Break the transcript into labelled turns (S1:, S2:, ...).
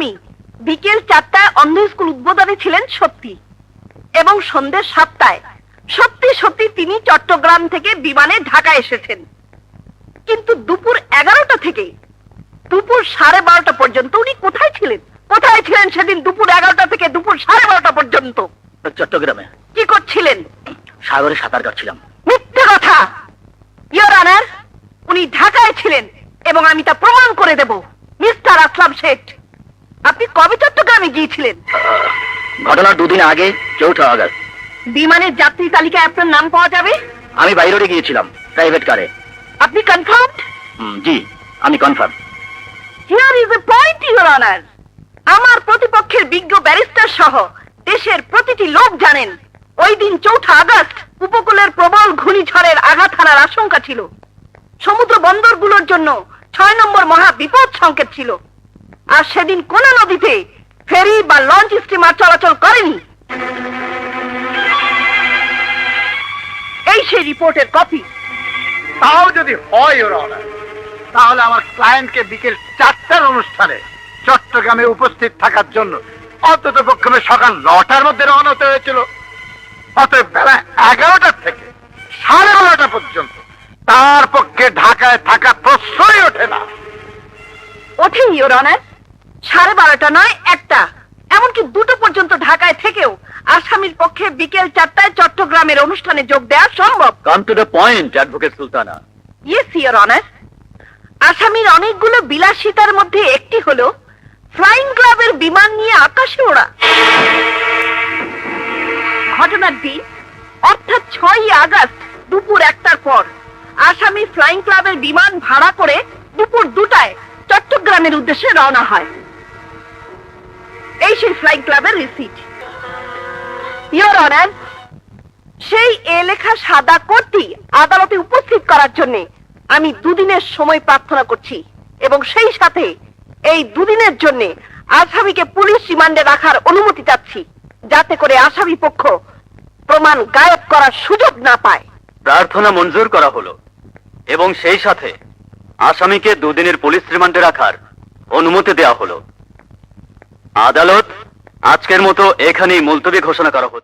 S1: আসামি বিকেল 4টায় অন্ধ স্কুল উদ্বোধনে ছিলেন সত্যি, এবং সন্ধ্যে 7টায় সত্যি সত্যি তিনি চট্টগ্রাম থেকে বিমানে ঢাকা এসেছেন। কিন্তু দুপুর 11টা থেকে দুপুর 12:30 পর্যন্ত উনি কোথায় ছিলেন? কোথায় ছিলেন সেদিন দুপুর 11টা থেকে দুপুর 12:30 পর্যন্ত?
S2: চট্টগ্রামে।
S1: কি করছিলেন?
S2: সাগরে সাঁতার কাটছিলাম।
S1: মিথ্যে কথা, ইওর অনার। উনি ঢাকায় ছিলেন এবং আমি তা প্রমাণ করে দেব। মিস্টার আসলাম শেঠ, আপনি কবে চট্টগ্রামে গিয়েছিলেন?
S2: ঘটনার 2 দিন আগে, 4 আগস্ট।
S1: বিমানের যাত্রী তালিকায় আপনার নাম পাওয়া যাবে?
S2: আমি বাইরে গিয়েছিলাম প্রাইভেট কারে।
S1: আপনি কনফার্মড?
S2: জি, আমি confirm.
S1: Here is a point, your honour. আমার প্রতিপক্ষের বিজ্ঞ ব্যারিস্টার সহ দেশের প্রতিটি লোক জানেন ওই দিন 4 আগস্ট উপকূলের প্রবল ঘূর্ণিঝড়ের আঘাত হানার আশঙ্কা ছিল। সমুদ্র বন্দরগুলোর জন্য 6 নম্বর মহা বিপদ সংকেত ছিল। আর সেদিন কোন নদীতে ফেরি বা লঞ্চ স্টিমার চলাচল করেনি। এই সেই রিপোর্টের কপি।
S3: তাও যদি হয় ইওর অনার, তাহলে আমার ক্লায়েন্টকে বিকেল 4টার অনুষ্ঠানে চট্টগ্রামে উপস্থিত থাকার জন্য অন্তত পক্ষে সকাল 9টার মধ্যে রওনা হতে হয়েছিল। অতএব বেলা 11টা থেকে 12:30 পর্যন্ত তার পক্ষে ঢাকায় থাকা প্রশ্নই ওঠে না।
S1: ওঠে ইওর অনার। 12:30 নয়, 1টা, এমনকি 2টো পর্যন্ত ঢাকায় থেকেও আসামির পক্ষে বিকেল 4টায় চট্টগ্রামের অনুষ্ঠানে যোগ দেওয়া সম্ভব।
S2: Come to the point, advocate Sultana.
S1: Yes your honour. আসামির অনেকগুলো বিলাসিতার মধ্যে একটি হলো ফ্লাইং ক্লাবের বিমান নিয়ে আকাশে ওড়া। ঘটনার দিন অর্থাৎ 6 আগস্ট দুপুর 1টার পর আসামি ফ্লাইং ক্লাবের বিমান ভাড়া করে দুপুর 2টায় চট্টগ্রামের উদ্দেশ্যে রওনা হয়। এই সেই ফ্লাইং ক্লাবের রিসিট। ইওর অনার, সেই লেখা সাদা কোটটি আদালতে উপস্থিত করার জন্য আমি 2 দিনের সময় প্রার্থনা করছি, এবং সেই সাথে এই 2 দিনের জন্য আসামিকে পুলিশ রিমান্ডে রাখার অনুমতি চাচ্ছি, যাতে করে আসামি পক্ষ প্রমাণ গায়েব করার সুযোগ না পায়।
S2: প্রার্থনা মঞ্জুর করা হলো, এবং সেই সাথে আসামিকে 2 দিনের পুলিশ রিমান্ডে রাখার অনুমতি দেওয়া হলো। আদালত আজকের মতো এখানেই মুলতবি ঘোষণা করা হচ্ছে।